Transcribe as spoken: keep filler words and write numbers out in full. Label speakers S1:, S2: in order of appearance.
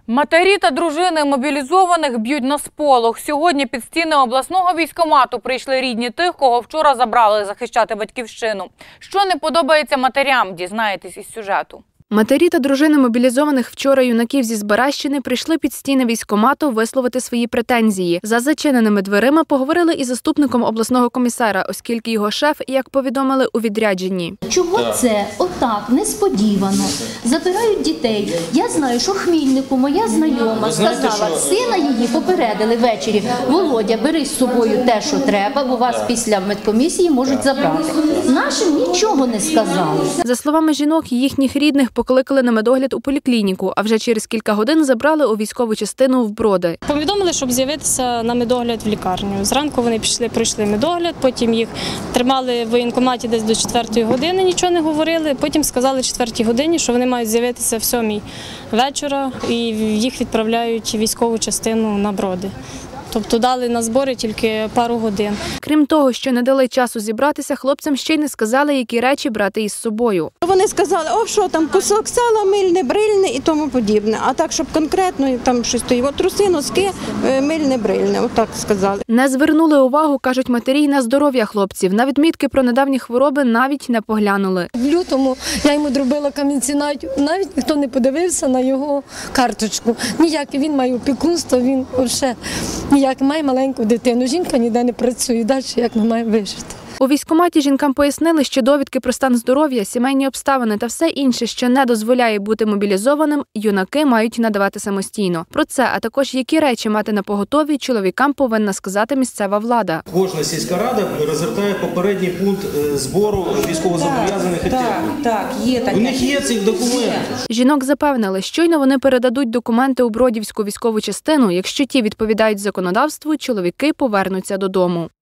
S1: Матері та дружини мобілізованих б'ють на сполох. Сьогодні під стіни обласного військкомату прийшли рідні тих, кого вчора забрали захищати батьківщину. Що не подобається матерям, дізнаєтесь із сюжету.
S2: Матері та дружини мобілізованих вчора юнаків зі Збаразьчини прийшли під стіни військкомату висловити свої претензії. За зачиненими дверима поговорили із заступником обласного комісара, оскільки його шеф, як повідомили, у відрядженні.
S3: Чого це отак, несподівано, забирають дітей? Я знаю, що Хмільнику моя знайома сказала, сина її попередили ввечері: Володя, бери з собою те, що треба, бо вас після медкомісії можуть забрати. Нашим нічого не сказали.
S2: За словами жінок, їхніх рідних покликали на медогляд у поліклініку, а вже через кілька годин забрали у військову частину в Броди.
S4: Повідомили, щоб з'явитися на медогляд в лікарню. Зранку вони пішли, пройшли медогляд, потім їх тримали в воєнкоматі десь до четвертої години, нічого не говорили. Потім сказали в четвертій годині, що вони мають з'явитися в сьомій вечора і їх відправляють в військову частину на Броди. Тобто дали на збори тільки пару годин.
S2: Крім того, що не дали часу зібратися, хлопцям ще й не сказали, які речі брати із собою.
S5: Вони сказали, о, що там, кусок сала, мильне, брильне і тому подібне. А так, щоб конкретно там щось стоїть, от труси, носки, мильне, брильне, отак сказали.
S2: Не звернули увагу, кажуть матері, на здоров'я хлопців. На відмітки про недавні хвороби навіть не поглянули.
S6: В лютому я йому зробила камінці, навіть, навіть ніхто не подивився на його карточку. Ніяк, він має опікунство, він ще ніяк має маленьку дитину. Жінка ніде не працює, далі як ми маємо вижити.
S2: У військкоматі жінкам пояснили, що довідки про стан здоров'я, сімейні обставини та все інше, що не дозволяє бути мобілізованим, юнаки мають надавати самостійно. Про це, а також які речі мати на поготові, чоловікам повинна сказати місцева влада.
S7: Кожна сільська рада розгортає попередній пункт збору військовозобов'язаних і
S8: так, так, є таке.
S7: У них є цих документів.
S2: Жінок запевнили, щойно вони передадуть документи у Бродівську військову частину, якщо ті відповідають законодавству, чоловіки повернуться додому.